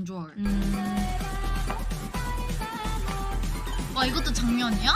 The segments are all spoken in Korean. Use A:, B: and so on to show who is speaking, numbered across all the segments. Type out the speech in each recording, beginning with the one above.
A: 좋아해. 와 이것도 장면이야?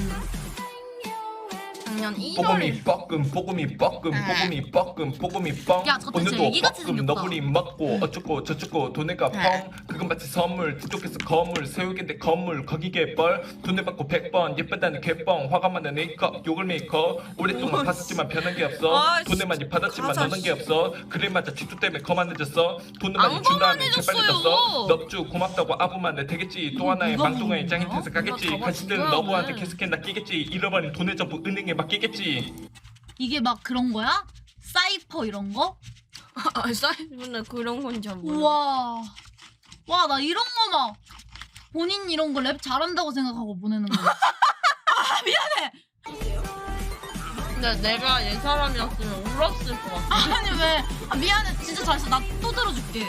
B: 작년 1월
C: 뽀금이 뻐끔 뽀금이 뻐끔 뽀금이 뻐끔 뽀금이 뻥
A: 야, 저때
C: 오늘도
A: 애기같이
C: 뻐끔
A: 생겼다.
C: 너구리 먹고 어쩌고 저쩌고 돈내가 펑 그건 마치 선물 뒤쪽에서 거물 새우긴데 건물 거기 개뻘 돈을 받고 100번 예쁘다는 개뻥 화가 많은 메이크업 욕을 메이커 오랫동안 봤었지만 변한 게 없어
B: 아이씨,
C: 돈을 많이 받았지만
B: 가자,
C: 너는 게 없어 그래 맞아 취투 때문에 거만해졌어 돈을 많이
A: 안
C: 준 다음에 재빨리
A: 거만해졌어요.
C: 떴어 넙주 고맙다고 아부만해 되겠지 또 하나의
A: 누가
C: 망둥어의
A: 먹는
C: 짱이
A: 거야?
C: 돼서 가겠지
B: 누가
C: 간신들은
B: 잡아준 거야,
C: 너부한테
B: 오늘.
C: 계속해 낚이겠지 잃어버린 돈을 전부 은행에 맡기겠지
A: 이게 막 그런 거야? 사이퍼 이런 거?
B: 사이즈는 그런 건 잘 몰라.
A: 우와. 와 나 이런 거 막 본인 이런 거 랩 잘한다고 생각하고 보내는 거. 아 미안해.
B: 근데 내가 얘 사람이었으면 울었을 것 같아.
A: 아니 왜? 아, 미안해 진짜 잘했어. 나 또 들어줄게.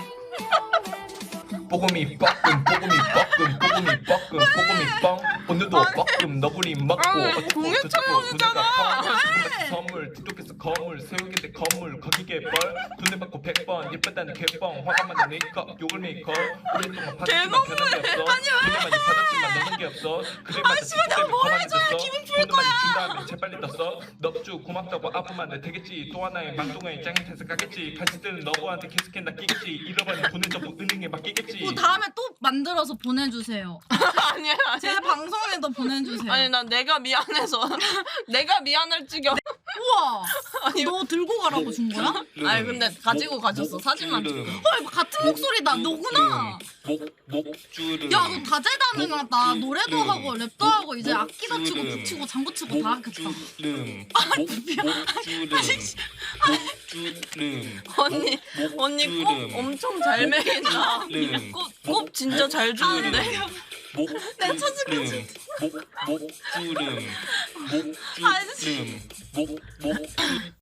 C: 뽀금이 뻐끔 뽀금이 뻐끔 뽀금이 뻐끔 뽀금이 뻥 오늘도 뻐끔 너구리 먹고 어쩌고 저쩌고 돈내가 펑 선물 뒤쪽에서 거물 새우긴데 건물 거기 개뻘 돈을 받고 100번 예쁘다는 개뻥 화가 많은 메이크업 욕을 메이커 오랫동안 받았지만 변한 게 없어 돈을 많이 받았지만 너는 게 없어 그래 맞아 취투 때문에 거만해졌어 돈을 많이 준 다음에 재빨리 떴어 넙주 고맙다고 아프면 되겠지 또 하나의 망둥어의 짱이 돼서 가겠지 간신들은 너부한테 계속해 낚이겠지 잃어버린 돈을 전부 은행에 맡기겠지
A: 뭐 다음에 또 만들어서 보내주세요.
B: 아니야.
A: 제 방송에도 보내주세요.
B: 아니 난 내가 미안해서 내가 미안할 지경.
A: 우와. 너 들고 가라고 준 거야?
B: 아니 근데 가지고 가셨어. 사진만 찍고.
A: 헐 이거 같은 목소리다. 너구나.
C: 목줄은
A: 야 너 다재다능하다. 노래도 하고 랩도 하고 이제 악기도 치고 북치고 장구 치고 다 하겠다.
C: 목줄은
B: 언니 꽃 엄청 잘 매긴다. 꽃 진짜 잘 주는데.
A: 내 처지까지.
C: 목줄은
A: 아저씨.
C: 목줄은